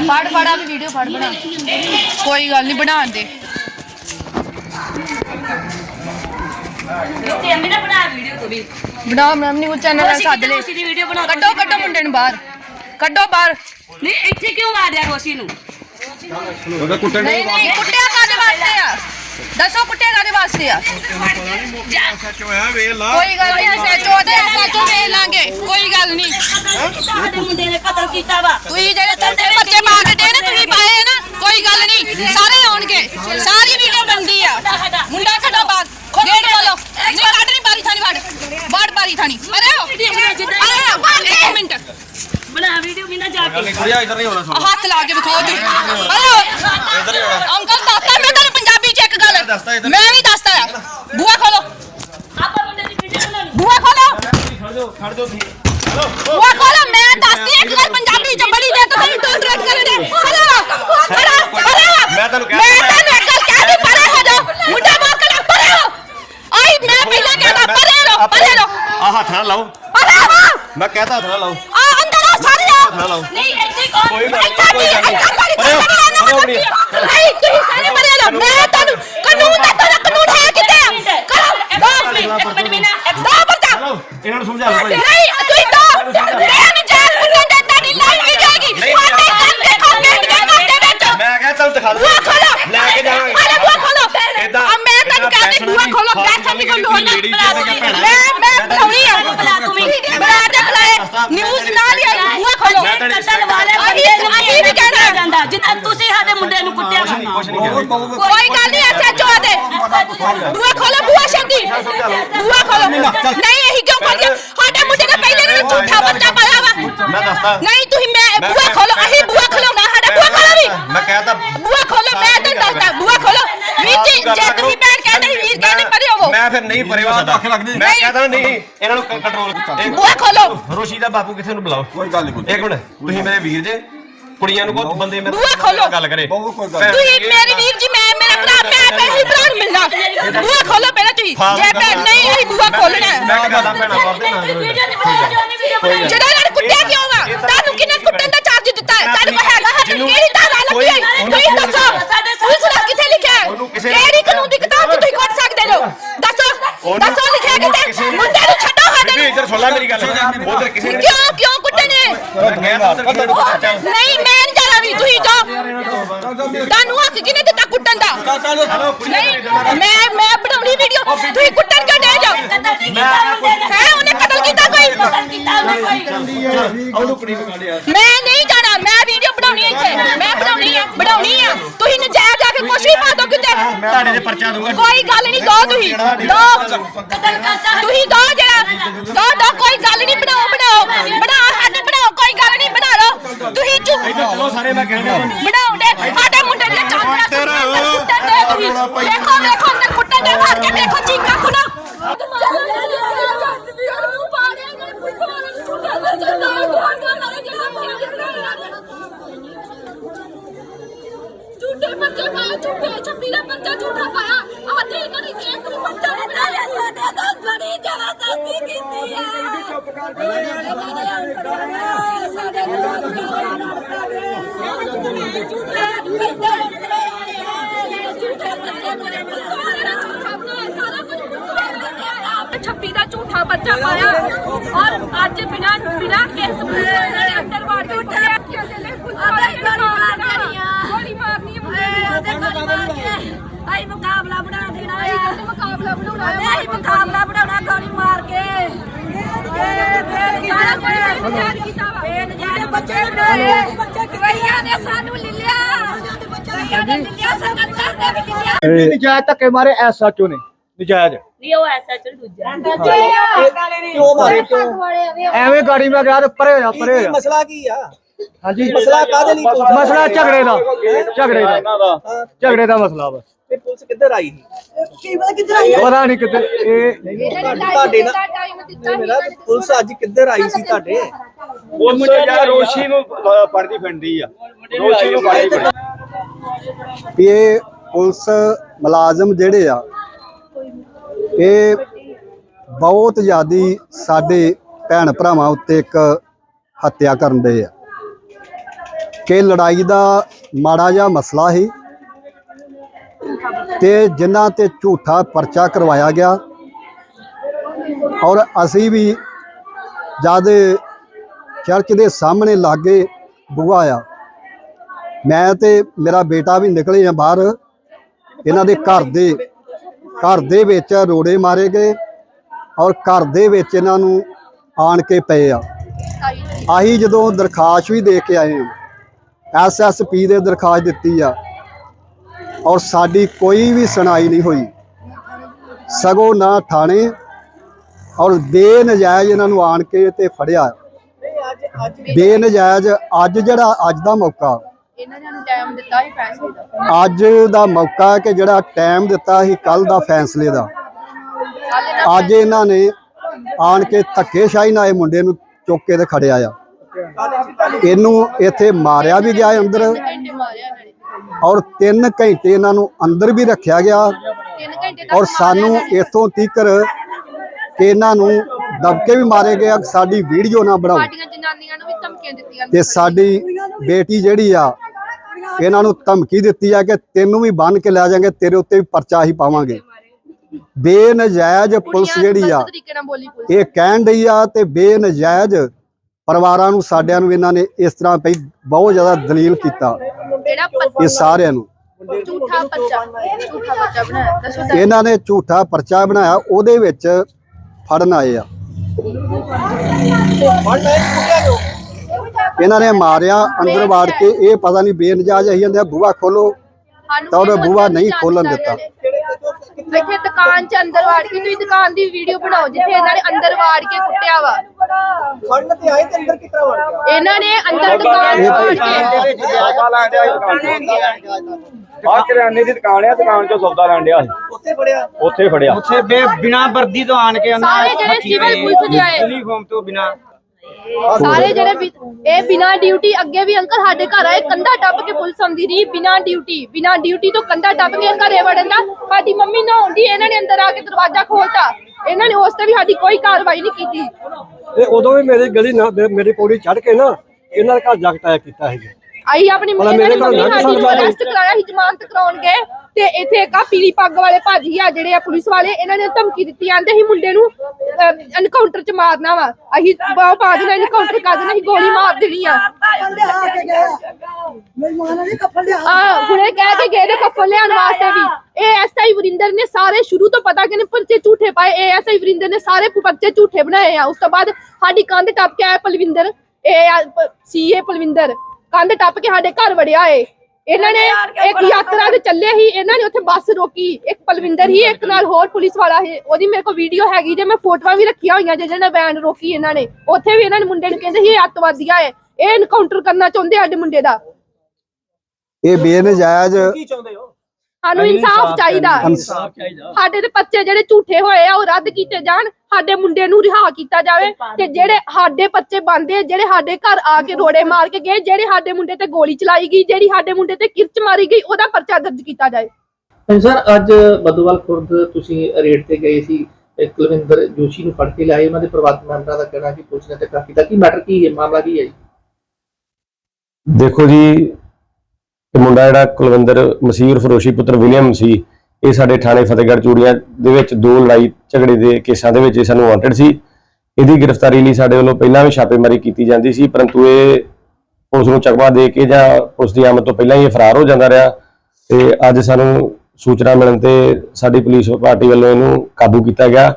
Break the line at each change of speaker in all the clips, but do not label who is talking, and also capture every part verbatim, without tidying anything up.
ਫੜ ਫੜਾ ਵੀ ਵੀਡੀਓ ਫੜ ਬਣਾ ਕੋਈ ਗੱਲ ਨਹੀਂ ਬਣਾ ਦੇ
ਤੇ ਅੰਮੀ ਨੇ ਬਣਾ ਵੀਡੀਓ ਤੋਂ ਵੀ
ਬਣਾ ਮੈਂ ਨਹੀਂ ਉਹ ਚੈਨਲ ਨਾਲ ਸੱਦ ਲੈ
ਰੋਸ਼ੀ ਦੀ ਵੀਡੀਓ ਬਣਾ
ਕੱਢੋ ਕੱਢੋ ਮੁੰਡੇ ਨੂੰ ਬਾਹਰ ਕੱਢੋ ਬਾਹਰ
ਨਹੀਂ ਇੱਥੇ ਕਿਉਂ ਮਾਰਿਆ ਰੋਸ਼ੀ ਨੂੰ
ਉਹਦਾ ਕੁੱਟਣ
ਨਹੀਂ ਨਹੀਂ ਕੁੱਟਿਆ ਕਾਦੇ ਵਾਸਤੇ ਆ ਦੱਸੋ ਕੁੱਟਿਆ ਕਾਦੇ ਵਾਸਤੇ ਆ ਕੋਈ ਗੱਲ ਨਹੀਂ ਸੱਚੋ ਤੇ ਸੱਚੋ ਵੇਖ ਲਾਂਗੇ ਕੋਈ ਗੱਲ ਨਹੀਂ
ਸਾਡੇ ਮੁੰਡੇ ਨੇ ਕਤਲ ਕੀਤਾ ਵਾ
ਤੁਸੀਂ ਜਿਹੜੇ ਤੰਦੇ ਬੱਚੇ ਮਾਰਦੇ ਨੇ ਤੁਸੀਂ ਪਾਏ ਨਾ ਕੋਈ ਗੱਲ ਨਹੀਂ ਸਾਰੇ ਆਉਣਗੇ ਸਾਰੀ ਵੀਡੀਓ ਬਣਦੀ ਆ ਮੁੰਡਾ ਕੱਢੋ ਬਾਹਰ ਗੇਟ ਖੋਲੋ ਨਹੀਂ ਕੱਢਣੀ ਬਾਰੀ ਥਾਣੀ ਵੜ ਵੜ ਬਾਰੀ ਥਾਣੀ ਅਰੇ ਇੱਕ ਮਿੰਟ
ਬਣਾ ਵੀਡੀਓ ਵੀ ਨਾ ਜਾ ਕੇ
ਇਧਰ ਨਹੀਂ ਹੋਣਾ
ਹੱਥ ਲਾ ਕੇ ਵਿਖਾਓ ਤੂੰ
ਇਧਰ ਹੀ ਹੋਣਾ
ਅੰਕਲ ਦੱਸਦਾ ਮੈਂ ਤੈਨੂੰ ਪੰਜਾਬੀ ਚ ਇੱਕ ਗੱਲ ਮੈਂ ਵੀ ਦੱਸਦਾ ਆ ਬੂਆ ਖੋਲੋ
ਆਪਾਂ ਮੁੰਡੇ ਦੀ ਵੀਡੀਓ ਬਣਾਉਣੀ
ਬੂਆ ਖੋਲੋ
ਖੜ ਜਾਓ ਖੜ ਜਾਓ
ਬੂਆ ਖੋਲੋ ਮੈਂ ਦੱਸਦੀ ਇੱਕ ਗੱਲ ਪੰਜਾਬੀ ਚ ਬੜੀ ਦੇ ਤੁਸੀਂ ਟੋਲਰੇਟ ਕਰਦੇ ਖੋਲੋ ਖੜਾ ਖੜਾ
ਮੈਂ ਤੈਨੂੰ ਕਹਿ
ਮੈਂ ਤੈਨੂੰ ਇੱਕ ਗੱਲ ਕਹਿ ਦੀ ਪਰੇ ਹੋ ਜਾ ਮੁੰਡਾ ਬਾਹਰ ਕੱਢ ਪਰੇ ਹੋ ਆਈ ਮੈਂ ਪਹਿਲਾਂ ਕਹਿੰਦਾ ਪਰੇ ਰਹੋ ਪਰੇ ਰਹੋ
ਆ ਹੱਥ ਨਾਲ ਲਾਓ
ਪਰੇ ਹੋ
ਮੈਂ ਕਹਤਾ ਹੱਥ ਨਾਲ ਲਾਓ
ਆ ਅੰਦਰ ਆ ਸਾਰੇ
ਹੱਥ ਨਾਲ ਲਾਓ
ਨਹੀਂ ਇੱਥੇ ਕੌਣ
ਕੋਈ ਗੱਲ ਨਹੀਂ
ਇੱਥੇ
ਕੋਈ ਗੱਲ ਨਹੀਂ
ਨਹੀਂ ਤੁਸੀਂ ਸਾਰੇ ਪਰੇ ਲਓ ਮੈਂ ਤੁਹਾਨੂੰ ਕਾਨੂੰਨ ਦਾ ਤਾਂ ਕਾਨੂੰਨ ਹੈ ਕਿੱਥੇ ਆ ਕਰੋ ਦੋ
ਇੱਕ ਮਿੰਟ ਬਿਨਾ
ਦੋ ਬੱਚਾ
ਇਹਨਾਂ ਨੂੰ ਸਮਝਾ ਲਓ ਭਾਈ
ਨਹੀਂ ਤੁਸੀਂ ਦੋ ਮੈਂ ਨਹੀਂ ਜਾ ਕੁੰਨ ਦੇ ਤੁਹਾਡੀ ਲਾਈਵ ਵੀ ਜਾਏਗੀ ਸਾਡੇ ਘਰ ਦੇ ਖੋਗੇ ਦੇ ਘਰ ਦੇ ਵਿੱਚ
ਮੈਂ ਕਿਹਾ ਚੱਲ ਦਿਖਾ ਦੂੰ
ਬੂਆ ਖੋਲੋ
ਲੈ ਕੇ ਜਾਵਾਂਗੇ
ਅਰੇ ਬੂਆ ਖੋਲੋ
ਏਦਾਂ
ਆ ਮੈਂ ਤੁਹਾਨੂੰ ਕਹਿੰਦੀ ਬੂਆ ਖੋਲੋ ਪੈਸਾ ਦੀ ਕੋਈ ਲੋੜ ਨਹੀਂ ਮੈਂ ਮੈਂ ਬੁਲਾਉਣੀ ਆ
ਬੁਲਾ ਤੂੰ ਵੀ
ਬੁਲਾ ਦੇ ਬੁਲਾਏ ਨਿਊਜ਼ ਨਾਲ ਹੀ ਆਈ ਬੂਆ ਖੋਲੋ
ਕੱਟਣ ਵਾਲੇ ਬੰਦੇ ਨੂੰ
ਅਸੀਂ ਵੀ ਕਹਿਣਾ
ਜਾਂਦਾ ਜਿੱਦਾਂ ਤੁਸੀਂ ਸਾਡੇ ਮੁੰਡੇ ਨੂੰ ਕੁੱਟਿਆ ਵਾ
ਕੋਈ ਗੱਲ ਨਹੀਂ ਐਸਾ ਚੋ ਦੇ ਬੂਆ ਖੋਲੋ ਬੂਆ ਸ਼ੰਦੀ ਬੂਆ ਖੋਲੋ ਨਹੀਂ ਇਹੀ ਕਿਉਂ ਖੋਲਿਆ ਸਾਡੇ ਮੁੰਡੇ ਨੇ ਪਹਿਲੇ ਨੇ ਝੂਠਾ ਬੱਚਾ ਪਾਇਆ ਵਾ
ਮੈਂ ਦੱਸਦਾ
ਨਹੀਂ ਤੁਸੀਂ ਮੈਂ ਬੂਆ ਖੋਲੋ ਅਸੀਂ ਬੂਆ ਖੋਲਣਾ ਸਾਡਾ ਬੂਆ ਖੋਲੋ ਵੀ
ਮੈਂ ਕਹਤਾ
ਬੂਆ ਖੋਲੋ ਮੈਂ ਤੈਨੂੰ ਦੱਸਦਾ ਬੂਆ ਖੋਲੋ ਵੀਰ ਜੀ ਜੇ ਤੁਸੀਂ ਬੈਠ ਕਹਿੰਦੇ ਵੀਰ ਕਹਿੰਦੇ ਪਰੇ ਹੋਵੋ
ਮੈਂ ਫਿਰ ਨਹੀਂ ਪਰੇ ਹੋ ਸਕਦਾ ਮੈਂ ਕਹਤਾ ਨਹੀਂ ਇਹਨਾਂ ਨੂੰ ਕੰਟਰੋਲ ਕੀਤਾ
ਬੂਆ ਖੋਲੋ
ਰੋਸ਼ੀ ਦਾ ਬਾਪੂ ਕਿੱਥੇ ਨੂੰ ਬੁਲਾਓ ਕੋਈ ਗੱਲ ਨਹੀਂ ਇੱਕ ਮਿੰਟ ਤੁਸੀਂ ਮੇਰੇ ਵੀਰ ਜੇ ਕੁੜੀਆਂ ਨੂੰ ਕੋ ਬੰਦੇ ਮੇਰੇ
ਬੂਆ ਖੋਲੋ
ਗੱਲ ਕਰੇ
ਤੁਸੀਂ ਮੇਰੀ ਵੀਰ ਜੀ ਮੈਂ ਮੇਰਾ ਭਰਾ ਮੈਂ ਪਹਿਲੀ ਭਰਾ ਨੂੰ ਮਿਲਣਾ ਬੂਆ ਖੋਲੋ ਪਹਿਲਾਂ ਤੁਸੀਂ ਜੇ ਭੈਣ ਨਹੀਂ ਅਸੀਂ ਬੂਆ ਖੋਲਣਾ
ਮੈਂ ਕਹਦਾ ਭੈਣਾ ਕਰਦੇ ਨਾ
ਵੀਡੀਓ ਨਹੀਂ ਬਣਾਉਣੀ ਜੋ ਨਹੀਂ ਵੀਡੀਓ ਬਣਾਉਣੀ
ਜਿਹੜਾ ਇਹਨਾਂ ਨੇ ਕੁੱਟਿਆ ਕਿਉਂ ਵਾ ਤੁਹਾਨੂੰ ਕਿਹਨੇ ਕੁੱਟਣ ਦਾ ਚਾਰਜ ਦਿੱਤਾ ਹੈ ਤੁਹਾਨੂੰ ਕੋ ਹੈਗਾ ਹੈ ਕਿਹੜੀ ਧਾਰਾ ਲੱਗੀ ਹੈ ਤੁਸੀਂ ਦੱਸੋ ਸਾਡੇ ਪੁਲਿਸ ਕਿੱਥੇ ਲਿਖਿਆ ਹੈ ਕਿਹੜੀ ਕਾਨੂੰਨ ਦੀ ਕਿਤਾਬ ਤੁਸੀਂ ਕੁੱਟ ਸਕਦੇ ਹੋ ਦੱਸੋ ਦੱਸੋ ਲਿਖਿਆ ਕਿੱਥੇ ਮੁੰਡੇ ਨੂੰ ਛੱਡੋ ਸਾਡੇ
ਬੀਬੀ ਇੱਧਰ ਸੁਣ ਲੈ ਮੇਰੀ ਗੱਲ ਉਧਰ ਕਿਸੇ ਨੇ
ਕਿਉਂ ਕਿਉਂ ਕੁੱਟਣੇ ਨਹੀਂ ਮੈਂ ਨਹੀਂ ਜਾਣਾ ਵੀ ਤੁਸੀਂ ਜਾਓ ਤੁਹਾਨੂੰ ਹੱਕ ਕਿਹਨੇ ਦਿੱਤਾ ਕੁੱਟਣ ਦਾ ਨਹੀਂ ਮੈਂ ਮੈਂ ਬਣਾਉਣੀ ਵੀਡੀਓ ਤੁਸੀਂ ਕੁੱਟਣ ਕਿਉਂ ਦੇ ਜਾਓ ਹੈ ਉਹਨੇ ਕਤਲ ਕੀਤਾ ਕੋਈ ਮੈਂ ਨਹੀਂ ਜਾਣਾ ਮੈਂ ਵੀਡੀਓ ਬਣਾਉਣੀ ਹੈ ਇੱਥੇ ਮੈਂ ਬਣਾਉਣੀ ਆ ਬਣਾਉਣੀ ਆ ਤੁਸੀਂ ਨਜਾਇਜ਼ ਜਾ ਕੇ ਕੁਛ ਵੀ ਪਾ ਦੋ ਕਿਤੇ
ਤੁਹਾਡੇ ਤੇ ਪਰਚਾ ਦੂੰਗਾ
ਕੋਈ ਗੱਲ ਨਹੀਂ ਦੋ ਤੁਸੀਂ ਦੋ ਤੁਸੀਂ ਦੋ ਜਿਹੜਾ ਦੋ ਦੋ ਕੋਈ ਗੱਲ ਨਹੀਂ ਬਣਾਓ ਬਣਾਓ ਬਣਾਓ ਸਾਡੇ ਬਣਾਓ ਕੋਈ ਗੱਲ ਨਹੀਂ ਬਣਾ ਲਓ ਤੁਸੀਂ ਚੁੱਪ
ਚਲੋ ਸਾਰੇ ਮੈਂ ਕਹਿਣਾ
ਬਣਾਉਂਦੇ ਸਾਡੇ ਮੁੰਡੇ ਦੀਆਂ ਚਾਦਰਾਂ ਕੁੱਟਣ ਦੇ ਤੁਸੀਂ ਦੇਖੋ ਦੇਖੋ ਅੰਦਰ ਕੁੱਟਣ ਦੇ ਮਾਰ ਕੇ ਦੇਖੋ ਚੀਕਾਂ ਸੁਣੋ ਝੂਠੇ ਬੱਚੇ ਪਾਇਆ ਝੂਠੇ ਛੱਪੀ ਦਾ ਬੱਚਾ ਝੂਠਾ ਪਾਇਆ ਆਦੇ ਇਹਨਾਂ ਨੇ ਇੱਕ ਵੀ ਬੱਚਾ ਨਹੀਂ ਪਾਇਆ ਸਾਡੇ ਤਾਂ ਬੜੀ ਜ਼ਬਰਦਸਤੀ ਕੀਤੀ ਹੈ ਸਾਡੇ ਛੱਪੀ ਦਾ ਝੂਠਾ ਬੱਚਾ ਪਾਇਆ ਔਰ ਅੱਜ ਬਿਨਾਂ ਬਿਨਾਂ ਕੇਸ ਅੰਦਰ ਵਾੜ ਕੇ ਉੱਠਿਆ ਗੋਲੀ ਮਾਰਨੀ ਆਈ ਮੁਕਾਬਲਾ ਬਣਾ ਦੇਣਾ ਹੈ ਮੁਕਾਬਲਾ ਬਣਾਉਣਾ ਹੈ ਆਈ ਮੁਕਾਬਲਾ ਬਣਾਉਣਾ ਗੋਲੀ ਮਾਰ ਕੇ ਜਿਹੜੇ ਬੱਚੇ ਬੱਚੇ ਕਈਆਂ ਨੇ ਸਾਨੂੰ ਲਿਲਿਆ ਕਈਆਂ ਨੇ ਲਿਲਿਆ ਸੰਗਤਾਂ ਨੇ ਵੀ ਲਿਲਿਆ
ਨਜਾਇਜ਼ ਧੱਕੇ ਮਾਰੇ ਐਸਐਚਓ ਨੇ ਨਜਾਇਜ਼
ਨਹੀਂ ਉਹ ਐਸਾ ਚਲ ਦੂਜਾ
ਕਿਉਂ ਮਾਰੇ ਕਿਉਂ ਐਵੇਂ ਗਾੜੀ ਮੈਂ ਗਿਆ ਤੇ ਪਰੇ ਹੋ ਜਾ ਪਰੇ ਹੋ ਜਾ
ਮਸਲਾ ਕੀ ਆ
ਹਾਂਜੀ
ਮਸਲਾ ਕਾਹਦੇ ਲਈ ਪੁਲਿਸ
ਮਸਲਾ ਝਗੜੇ ਦਾ ਝਗੜੇ ਦਾ ਝਗੜੇ ਦਾ ਮਸਲਾ ਬਸ
ਤੇ ਪੁਲਿਸ ਕਿੱਧਰ ਆਈ ਸੀ ਕੀ ਪਤਾ ਕਿੱਧਰ ਆਈ
ਪਤਾ ਨਹੀਂ ਕਿਤੇ ਇਹ
ਤੁਹਾਡੇ ਨਾਲ ਮੇਰਾ ਪੁਲਿਸ ਅੱਜ ਕਿੱਧਰ ਆਈ ਸੀ ਤੁਹਾਡੇ
ਉਸ ਯਾਰ ਰੋਸ਼ੀ ਨੂੰ ਫੜਦੀ ਫਿਰਦੀ ਆ ਰੋਸ਼ੀ ਨੂੰ ਫੜਦੀ ਫਿਰਦੀ
ਇਹ ਪੁਲਿਸ ਮੁਲਾਜ਼ਮ ਜਿਹੜੇ ਆ ਇਹ ਬਹੁਤ ਜ਼ਿਆਦੀ ਸਾਡੇ ਭੈਣ ਭਰਾਵਾਂ ਉੱਤੇ ਇੱਕ ਹੱਤਿਆ ਕਰਨ ਦੇ ਆ ਕਿ ਲੜਾਈ ਦਾ ਮਾੜਾ ਜਿਹਾ ਮਸਲਾ ਸੀ ਤੇ ਜਿਨ੍ਹਾਂ ਤੇ ਝੂਠਾ ਪਰਚਾ ਕਰਵਾਇਆ ਗਿਆ ਔਰ ਅਸੀਂ ਵੀ ਜਦ ਚਰਚ ਦੇ ਸਾਹਮਣੇ ਲਾਗੇ ਬੂਹਾ ਆ, ਮੈਂ ਤੇ ਮੇਰਾ ਬੇਟਾ ਵੀ ਨਿਕਲੇ ਆ ਬਾਹਰ। ਇਹਨਾਂ ਦੇ ਘਰ ਦੇ ਘਰ ਦੇ ਵਿੱਚ ਰੋੜੇ ਮਾਰੇ ਗਏ ਔਰ ਘਰ ਦੇ ਵਿੱਚ ਇਹਨਾਂ ਨੂੰ ਆਣ ਕੇ ਪਏ ਆ। ਆਹੀ ਜਦੋਂ ਦਰਖਾਸਤ ਵੀ ਦੇ ਕੇ ਆਏ ਹਾਂ, ਐਸ ਐਸ ਪੀ ਦੇ ਦਰਖਾਸਤ ਦਿੱਤੀ ਆ ਔਰ ਸਾਡੀ ਕੋਈ ਵੀ ਸੁਣਾਈ ਨਹੀਂ ਹੋਈ। ਸਗੋਂ ਨਾ ਥਾਣੇ ਔਰ ਬੇਨਜਾਇਜ਼ ਇਹਨਾਂ ਨੂੰ ਆਣ ਕੇ ਤੇ ਫੜਿਆ। ਬੇਨਜਾਇਜ਼ ਅੱਜ ਜਿਹੜਾ ਅੱਜ ਦਾ ਮੌਕਾ
ਇਹਨਾਂ ਨੇ ਟਾਈਮ ਦਿੱਤਾ ਸੀ ਫੈਸਲੇ ਦਾ,
ਅੱਜ ਦਾ ਮੌਕਾ ਕਿ ਜਿਹੜਾ ਟਾਈਮ ਦਿੱਤਾ ਸੀ ਕੱਲ ਦਾ ਫੈਸਲੇ ਦਾ, ਅੱਜ ਇਹਨਾਂ ਨੇ ਆਣ ਕੇ ਧੱਕੇਸ਼ਾਹੀ ਨਾਲ ਇਹ ਮੁੰਡੇ ਨੂੰ ਚੁੱਕ ਕੇ ਤੇ ਖੜਿਆ ਆ। ਇਹਨੂੰ ਇੱਥੇ ਮਾਰਿਆ ਵੀ ਗਿਆ ਅੰਦਰ
ਘੰਟੇ ਮਾਰਿਆ ਇਹਨਾਂ ਨੇ,
ਔਰ ਤਿੰਨ ਘੰਟੇ ਇਹਨਾਂ ਨੂੰ ਅੰਦਰ ਵੀ ਰੱਖਿਆ ਗਿਆ
ਤਿੰਨ ਘੰਟੇ ਤੱਕ
ਔਰ ਸਾਨੂੰ ਇੱਥੋਂ ਤੀਕਰ ਕਿ ਇਹਨਾਂ ਨੂੰ ਦਬਕੇ ਵੀ ਮਾਰੇ ਗਏ, ਸਾਡੀ ਵੀਡੀਓ ਨਾ ਬਣਾਓ
ਸਾਡੀਆਂ ਜਨਾਨੀਆਂ ਨੂੰ ਵੀ ਧਮਕੀਆਂ ਦਿੱਤੀਆਂ।
ਤੇ ਸਾਡੀ ਬੇਟੀ ਜਿਹੜੀ ਆ ਇਹਨਾਂ ਨੂੰ ਧਮਕੀ ਦਿੱਤੀ ਆ ਕਿ ਤੈਨੂੰ ਵੀ ਬੰਨ ਕੇ ਲੈ ਜਾਾਂਗੇ, ਤੇਰੇ ਉੱਤੇ ਵੀ ਪਰਚਾ ਹੀ ਪਾਵਾਂਗੇ। ਬੇਨਜਾਇਜ਼ ਪੁਲਿਸ ਜਿਹੜੀ ਆ
ਤਰੀਕੇ ਨਾਲ ਬੋਲੀ ਪੁਲਿਸ,
ਇਹ ਕਹਿਣ ਡਈ ਆ ਤੇ ਬੇਨਜਾਇਜ਼ ਪਰਿਵਾਰਾਂ ਨੂੰ ਸਾਡਿਆਂ ਨੂੰ ਇਹਨਾਂ ਨੇ ਇਸ ਤਰ੍ਹਾਂ ਪਈ ਬਹੁਤ ਜ਼ਿਆਦਾ ਦਲੀਲ ਕੀਤਾ
ਜਿਹੜਾ
ਇਹ ਸਾਰਿਆਂ ਨੂੰ।
ਝੂਠਾ ਪਰਚਾ ਝੂਠਾ ਪਰਚਾ ਬਣਾਇਆ, ਦੱਸੋ ਤਾਂ।
ਇਹਨਾਂ ਨੇ ਝੂਠਾ ਪਰਚਾ ਬਣਾਇਆ, ਉਹਦੇ ਵਿੱਚ ਫੜਨ ਆਏ ਆ। ਇਹਨਾਂ ਨੇ ਮਾਰਿਆ ਅੰਦਰ ਵਾੜ ਕੇ, ਇਹ ਪਤਾ ਨਹੀਂ ਬੇਨਜਾਇਜ਼ ਆਈ ਜਾਂਦੇ ਬੂਹਾ ਖੋਲੋ
ਸਾਨੂੰ
ਤਾਂ ਉਹਨੇ
ਕਿਹਨੂੰ
ਬੂਹਾ
ਅੰਦਰ
ਨਹੀਂ
ਜਾਣ
ਖੋਲਣ
ਦਿੱਤਾ
ਦਿੱਤਾ।
ਇੱਥੇ ਦੁਕਾਨ 'ਚ ਅੰਦਰ ਵਾੜ ਕੇ ਤੁਸੀਂ ਦੁਕਾਨ ਦੀ ਵੀਡੀਓ ਬਣਾਓ ਜਿੱਥੇ ਇਹਨਾਂ ਨੇ ਅੰਦਰ ਵਾੜ ਕੇ ਕੁੱਟਿਆ ਵਾ।
ਫੜਨ ਤੇ ਆਏ ਤੇ ਅੰਦਰ ਕਿੱਥਾ ਵੜ ਗਿਆ?
ਇਹਨਾਂ ਨੇ ਅੰਦਰ ਦੁਕਾਨ 'ਚ ਵਾੜ ਕੇ
ਆ ਕਰਿਆਨੇ ਦੀ ਦੁਕਾਨ ਆ, ਦੁਕਾਨ ਚੋਂ ਸੌਦਾ ਲੈਣ ਡਿਆ ਸੀ,
ਉੱਥੇ ਫੜਿਆ।
ਉੱਥੇ ਫੜਿਆ।
ਉੱਥੇ ਬੇ ਬਿਨਾ ਵਰਦੀ ਤੋਂ ਆਣ ਕੇ
ਸਾਰੇ ਜਿਹੜੇ ਸਿਵਲ ਪੁਲਿਸ ਦੇ ਆਏ,
ਯੂਨੀਫਾਰਮ ਤੋਂ ਬਿਨਾ
ਸਾਰੇ ਜਿਹੜੇ ਵੀ- ਇਹ ਬਿਨਾ ਡਿਊਟੀ ਅੱਗੇ ਵੀ ਅੰਕਲ ਸਾਡੇ ਘਰ ਆਏ, ਕੰਧਾ ਟੱਪ ਕੇ ਪੁਲਿਸ ਆਉਂਦੀ ਰਹੀ ਬਿਨਾ ਡਿਊਟੀ ਬਿਨਾ ਡਿਊਟੀ ਤੋਂ ਕੰਧਾ ਟੱਪ ਕੇ ਘਰੇ ਵੜਨ ਦਾ। ਸਾਡੀ ਮੰਮੀ ਨਹਾਉਂਦੀ, ਇਹਨਾਂ ਨੇ ਅੰਦਰ ਆ ਕੇ ਦਰਵਾਜ਼ਾ ਖੋਲਤਾ। ਇਹਨਾਂ ਨੇ ਉਸ ਤੇ ਵੀ ਸਾਡੀ ਕੋਈ ਕਾਰਵਾਈ ਨਹੀਂ ਕੀਤੀ।
ਤੇ ਉਦੋਂ ਵੀ ਮੇਰੀ ਗਲੀ ਨਾ ਮੇਰੀ ਪੌੜੀ ਚੜ ਕੇ ਨਾ ਇਹਨਾਂ ਦੇ ਘਰ ਜਾ ਕੇ ਟਾਇਆ ਕੀਤਾ ਸੀ।
ਆਈ ਆਪਣੀ
ਭਲਾ
ਇਹਨਾਂ
ਮੇਰੇ
ਦੀ
ਘਰ
ਮੰਮੀ
ਨਾ
ਸਾਡੀ ਨੂੰ
ਕਿਸੇ ਨੂੰ
ਅਰੈਸਟ ਕਰਾਇਆ ਸੀ, ਜ਼ਮਾਨਤ ਕਰਾਉਣ ਗਏ ਤੇ ਇੱਥੇ ਇੱਕ ਆ ਪੀਲੀ ਪੱਗ ਵਾਲੇ ਭਾਜੀ ਆ ਜਿਹੜੇ ਆ ਪੁਲਿਸ ਵਾਲੇ, ਇਹਨਾਂ ਨੇ ਧਮਕੀ ਦਿੱਤੀ ਜਾਂਦੇ ਸੀ ਮੁੰਡੇ ਨੂੰ ਐਨਕਾਊਂਟਰ ਚ ਮਾਰਨਾ ਵਾ, ਅਸੀਂ ਬਾਹ ਪਾ ਦੇਣਾ, ਐਨਕਾਊਂਟਰ ਕਰ ਦੇਣਾ, ਅਸੀਂ ਗੋਲੀ ਮਾਰ ਦੇਣੀ ਆ। ਆ ਹੁਣੇ ਕਹਿ ਕੇ ਗਏ ਨੇ ਕੱਫਲ ਲਿਆਉਣ ਵਾਸਤੇ ਵੀ। ਇਹ ਐਸਆਈ ਵਰਿੰਦਰ ਨੇ ਸਾਰੇ ਸ਼ੁਰੂ ਤੋਂ ਪਤਾ ਕਿ ਨੇ ਪਰਚੇ ਝੂਠੇ ਪਾਏ, ਇਹ ਐਸਆਈ ਵਰਿੰਦਰ ਨੇ ਸਾਰੇ ਪਰਚੇ ਝੂਠੇ ਬਣਾਏ ਆ। ਉਸ ਤੋਂ ਬਾਅਦ ਸਾਡੀ ਕੰਧ ਟੱਪ ਕੇ ਆਇਆ ਪਲਵਿੰਦਰ, ਇਹ ਸੀਏ ਪਲਵਿੰਦਰ ਕੰਧ ਟੱਪ ਕੇ ਸਾਡੇ ਘਰ ਵੜਿਆ ਏ। ਇਹਨਾਂ ਨੇ ਇੱਕ ਯਾਤਰਾ ਤੇ ਚੱਲੇ ਸੀ, ਇਹਨਾਂ ਨੇ ਉੱਥੇ ਬੱਸ ਰੋਕੀ, ਇੱਕ ਪਲਵਿੰਦਰ ਹੀ ਇੱਕ ਨਾਲ ਹੋਰ ਪੁਲਿਸ ਵਾਲਾ ਹੈ, ਉਹਦੀ ਮੇਰੇ ਕੋਲ ਵੀਡੀਓ ਹੈਗੀ ਜੇ, ਮੈਂ ਫੋਟੋਆਂ ਵੀ ਰੱਖੀਆਂ ਹੋਈਆਂ ਜਿਹਨਾਂ ਨੇ ਵੈਨ ਰੋਕੀ ਇਹਨਾਂ ਨੇ। ਉੱਥੇ ਵੀ ਇਹਨਾਂ ਨੇ ਮੁੰਡੇ ਨੂੰ ਕਹਿੰਦੇ ਸੀ ਇਹ ਅੱਤਵਾਦੀਆਂ ਏ, ਇਹ ਐਨਕਾਊਂਟਰ ਕਰਨਾ ਚਾਹੁੰਦੇ ਸਾਡੇ ਮੁੰਡੇ ਦਾ।
ਇਹ ਬੇਨਜਾਇਜ਼
ਕੀ ਚਾਹੁੰਦੇ ਹੋ?
ਸਾਨੂੰ ਇਨਸਾਫ ਚਾਹੀਦਾ। ਸਾਡੇ ਤੇ ਬੱਚੇ ਜਿਹੜੇ ਝੂਠੇ ਹੋਏ ਆ ਉਹ ਰੱਦ ਕੀਤੇ ਜਾਣ, ਸਾਡੇ ਮੁੰਡੇ ਨੂੰ ਰਿਹਾ ਕੀਤਾ ਜਾਵੇ ਤੇ ਜਿਹੜੇ ਸਾਡੇ ਬੱਚੇ ਬੰਦੇ ਜਿਹੜੇ ਸਾਡੇ ਘਰ ਆ ਕੇ ਰੋੜੇ ਮਾਰ ਕੇ ਗਏ, ਜਿਹੜੇ ਸਾਡੇ ਮੁੰਡੇ ਤੇ ਗੋਲੀ ਚਲਾਈ ਗਈ, ਜਿਹੜੀ ਸਾਡੇ ਮੁੰਡੇ ਤੇ ਕਿਰਚ ਮਾਰੀ ਗਈ, ਉਹਦਾ ਪਰਚਾ ਦਰਜ ਕੀਤਾ ਜਾਏ।
ਸਰ ਅੱਜ ਬਦੋਵਾਲ ਖੁਰਦ ਤੁਸੀਂ ਰੇਡ ਤੇ ਗਏ ਸੀ, ਕੁਲਵਿੰਦਰ ਜੋਸ਼ੀ ਨੂੰ ਫੜ ਕੇ ਲਿਆਏ, ਉਹਨਾਂ ਦੇ ਪਰਿਵਾਰਕ ਮੈਂਬਰਾਂ ਦਾ ਕਹਿਣਾ ਕਿ ਪੁਲਿਸ ਨੇ ਧੱਕਾ ਕੀਤਾ, ਕੀ ਮੈਟਰ ਕੀ ਹੈ, ਮਾਮਲਾ ਕੀ ਹੈ ਜੀ?
ਦੇਖੋ ਜੀ, ਇਹ ਮੁੰਡਾ ਜਿਹੜਾ ਕੁਲਵਿੰਦਰ ਮਸੀਹ ਫਰੋਸ਼ੀ ਪੁੱਤਰ ਵਿਲੀਅਮ ਸੀ, ਇਹ ਸਾਡੇ ਥਾਣੇ ਫਤਿਹਗੜ੍ਹ ਚੂੜੀਆਂ ਦੇ ਵਿੱਚ ਦੋ ਲੜਾਈ ਝਗੜੇ ਦੇ ਕੇਸਾਂ ਦੇ ਵਿੱਚ ਇਹ ਸਾਨੂੰ ਵਾਂਟਡ ਸੀ। ਇਹਦੀ ਗ੍ਰਿਫਤਾਰੀ ਲਈ ਸਾਡੇ ਵੱਲੋਂ ਪਹਿਲਾਂ ਵੀ ਛਾਪੇਮਾਰੀ ਕੀਤੀ ਜਾਂਦੀ ਸੀ, ਪਰੰਤੂ ਇਹ ਪੁਲਿਸ ਨੂੰ ਚਕਵਾ ਦੇ ਕੇ ਜਾਂ ਪੁਲਿਸ ਦੀ ਆਮਦ ਤੋਂ ਪਹਿਲਾਂ ਹੀ ਇਹ ਫਰਾਰ ਹੋ ਜਾਂਦਾ ਰਿਹਾ ਤੇ ਅੱਜ ਸਾਨੂੰ ਸੂਚਨਾ ਮਿਲਣ ਤੇ ਸਾਡੀ ਪੁਲਿਸ ਪਾਰਟੀ ਵੱਲੋਂ ਇਹਨੂੰ ਕਾਬੂ ਕੀਤਾ ਗਿਆ।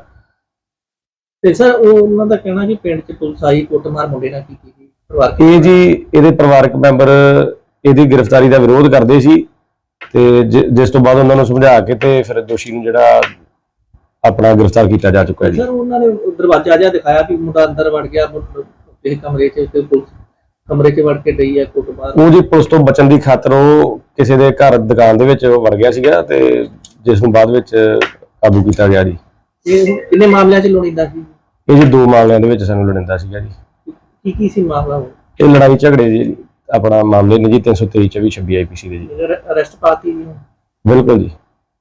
ਤੇ ਸਰ ਉਹ ਉਹਨਾਂ ਦਾ ਕਹਿਣਾ ਕਿ ਪਿੰਡ 'ਚ ਪੁਲਿਸ ਆਈ, ਕੁੱਟਮਾਰ ਮੁੰਡੇ ਨਾਲ ਕੀਤੀ ਗਈ, ਪਰਿਵਾਰਕ
ਇਹ ਜੀ ਇਹਦੇ ਪਰਿਵਾਰਕ ਮੈਂਬਰ ਇਹਦੀ ਗ੍ਰਿਫਤਾਰੀ ਦਾ ਵਿਰੋਧ ਕਰਦੇ ਸੀ ਤੇ ਜਿਸ ਤੋਂ ਬਾਅਦ ਉਹਨਾਂ ਨੂੰ ਸਮਝਾ ਕੇ ਤੇ ਫਿਰ ਦੋਸ਼ੀ ਨੂੰ ਜਿਹੜਾ ਆਪਣਾ ਗ੍ਰਿਫਤਾਰ ਕੀਤਾ ਜਾ ਚੁੱਕਾ ਹੈ ਜੀ।
ਸਰ ਉਹਨਾਂ ਨੇ ਦਰਵਾਜ਼ਾ ਜਿਹਾ ਦਿਖਾਇਆ ਕਿ ਮੁੰਡਾ ਅੰਦਰ ਵੜ ਗਿਆ ਇਹ ਕਮਰੇ 'ਚ, ਤੇ ਪੁਲਿਸ ਕਮਰੇ 'ਚ ਵੜ ਕੇ ਡਈ ਹੈ ਕੁੱਟਮਾਰ।
ਉਹ ਜੀ ਪੁਲਿਸ ਤੋਂ ਬਚਣ ਦੀ ਖਾਤਰ ਉਹ ਕਿਸੇ ਦੇ ਘਰ ਦੁਕਾਨ ਦੇ ਵਿੱਚ ਵੜ ਗਿਆ ਸੀਗਾ ਤੇ ਜਿਸ ਨੂੰ ਬਾਅਦ ਵਿੱਚ ਕਾਬੂ ਕੀਤਾ ਗਿਆ ਜੀ।
ਇਹ ਕਿੰਨੇ ਮਾਮਲਿਆਂ 'ਚ ਲੋੜੀਂਦਾ ਸੀ?
ਇਹ ਜੀ ਦੋ ਮਾਮਲਿਆਂ ਦੇ ਵਿੱਚ ਸਾਨੂੰ ਲੋੜੀਂਦਾ ਸੀਗਾ ਜੀ।
ਕੀ ਕੀ ਸੀ ਮਾਮਲਾ ਉਹ?
ਇਹ ਲੜਾਈ ਝਗੜੇ ਜੀ ਆਪਣਾ ਮਾਮਲੇ ਨੇ ਜੀ ਤਿੰਨ ਸੌ ਤੇਈ ਚੌਵੀ ਛੱਬੀ ਆਈ ਪੀ ਸੀ ਦੇ ਜੀ।
ਅਰੈਸਟ ਪਾਤੀ?
ਬਿਲਕੁਲ ਜੀ।